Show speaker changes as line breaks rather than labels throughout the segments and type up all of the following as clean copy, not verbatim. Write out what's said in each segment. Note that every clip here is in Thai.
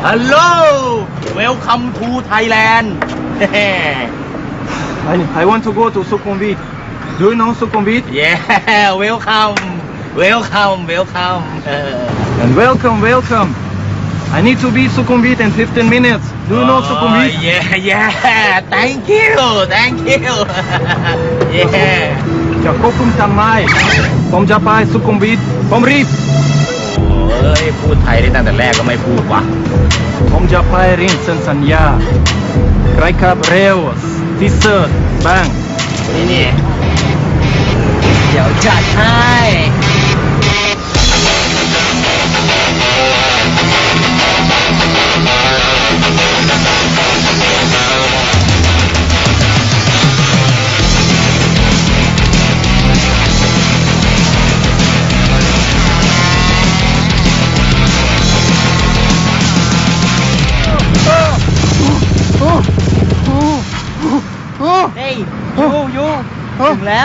Hello Welcome to Thailand
I want to go to Sukhumvit. Do you know Sukhumvit?
Yeah Welcome
And welcome. I need to be Sukhumvit in 15 minutes. Do you know Sukhumvit?
Yeah Thank you Yeah
จะควบคุมทำไมผมจะไปสุขุมวิทผมรีบ
เอ้ยพูดไทยได้ตั้งแต่แรกก็ไม่พูดวะ
ผมจะไปเรียนเซ็นสัญญาใครขับเร็วที่สุดบ้าง
นี่เดี๋ยวจัดให้เฮ้ยยูถึงแล้ว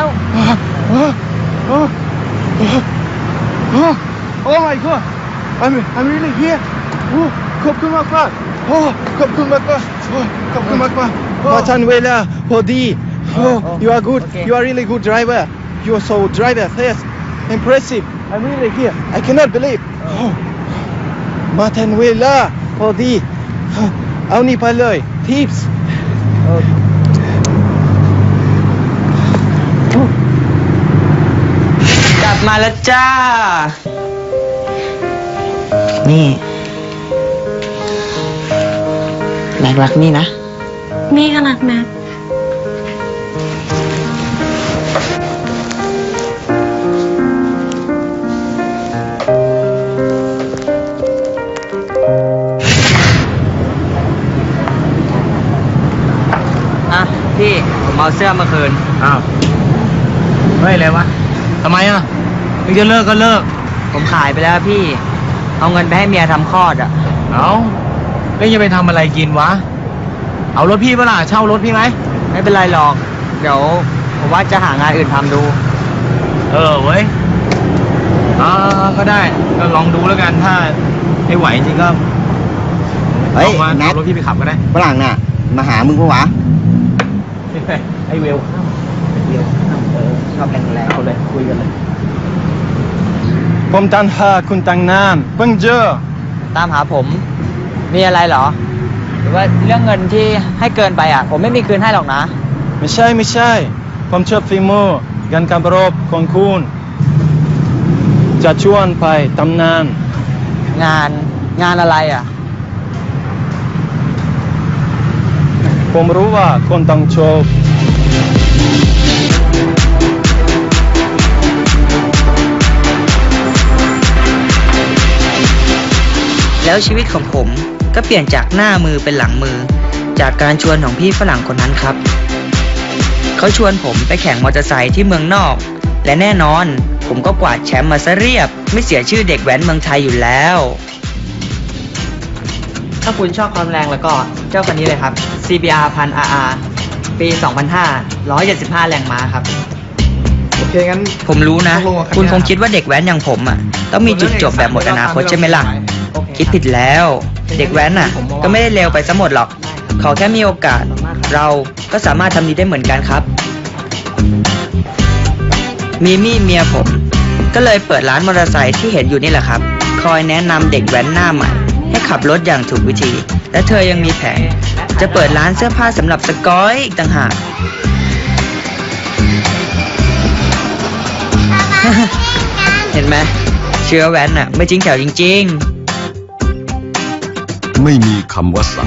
Oh my god I'm really here ขอบคุณมากขอบคุณมากมาทันเวลาพอดี You are good You are really good driver You are so driver fast Impressive I'm really here I cannot believe มาทันเวลาพอดีเอานี่ไปเลย Tips
กลับมาแล้วจ้า นี่แม็กรักนี่นะ
นี่ก็รักแม็ก
อ่ะพี่ผมเอาเสื้อมาคืนอ้าวเฮ้ยอะไรวะทำไมอ่ะมึงจะเลิกก็เลิกผมขายไปแล้วพี่เอาเงินไปให้เมียทำคลอดอ่ะเอาแล้วจะไปทำอะไรกินวะเอารถพี่เปล่าเช่ารถพี่ไหมไม่เป็นไรหรอกเดี๋ยวผมว่าจะหางานอื่นทำดูเว้ยก็ได้ก็ลองดูแล้วกันถ้าไม่ไหวจริงก็
เฮ้ย
เอา
แม็ก
รถพี่ไปขับก็ได้
ฝรั่งน่ะมาหามึงปะวะ
ไอเวลข้ามชอบแรงๆเขาเลยคุยกันเลย
ผมตันหาคุณตั้งนานเพิ่งเจอ
ตามหาผมมีอะไรเหรอหรือว่าเรื่องเงินที่ให้เกินไปอ่ะผมไม่มีคืนให้หรอกนะ
ไม่ใช่ผมชอบฝีมือการขับรถของคุณจะชวนไปตำนาน
งานอะไรอ่ะ
ผมรู้ว่าคนต้องชอบ
แล้วชีวิตของผมก็เปลี่ยนจากหน้ามือเป็นหลังมือจากการชวนของพี่ฝรั่งคนนั้นครับเขาชวนผมไปแข่งมอเตอร์ไซค์ที่เมืองนอกและแน่นอนผมก็กวาดแชมป์มาซะเรียบไม่เสียชื่อเด็กแว้นเมืองไทยอยู่แล้ว
ถ้าคุณชอบความแรงแล้วก็เจ้าคันนี้เลยครับ CBR 1000 RR ปี 2005 175 แรงม้าครับโอเคงั้น
ผมรู้นะ คุณคงคิดว่าเด็กแว้นอย่างผมอ่ะต้องมีจุดจบแบบหมดอนาคตใช่ไหมล่ะคิดผิดแล้วเด็กแว้นน่ะก็ไม่ได้เลวไปซะหมดหรอกขอแค่มีโอกาสเราก็สามารถทำดีได้เหมือนกันครับมีมี่เมียผมก็เลยเปิดร้านมอเตอร์ไซค์ที่เห็นอยู่นี่แหละครับคอยแนะนำเด็กแว้นหน้าใหม่ให้ขับรถอย่างถูกวิธีและเธอยังมีแผนจะเปิดร้านเสื้อผ้าสำหรับสกอยอีกต่างหาก เห็นไหมเชื้อแว้นน่ะไม่จริงแถวจริงๆ
ไม่มีคำว่า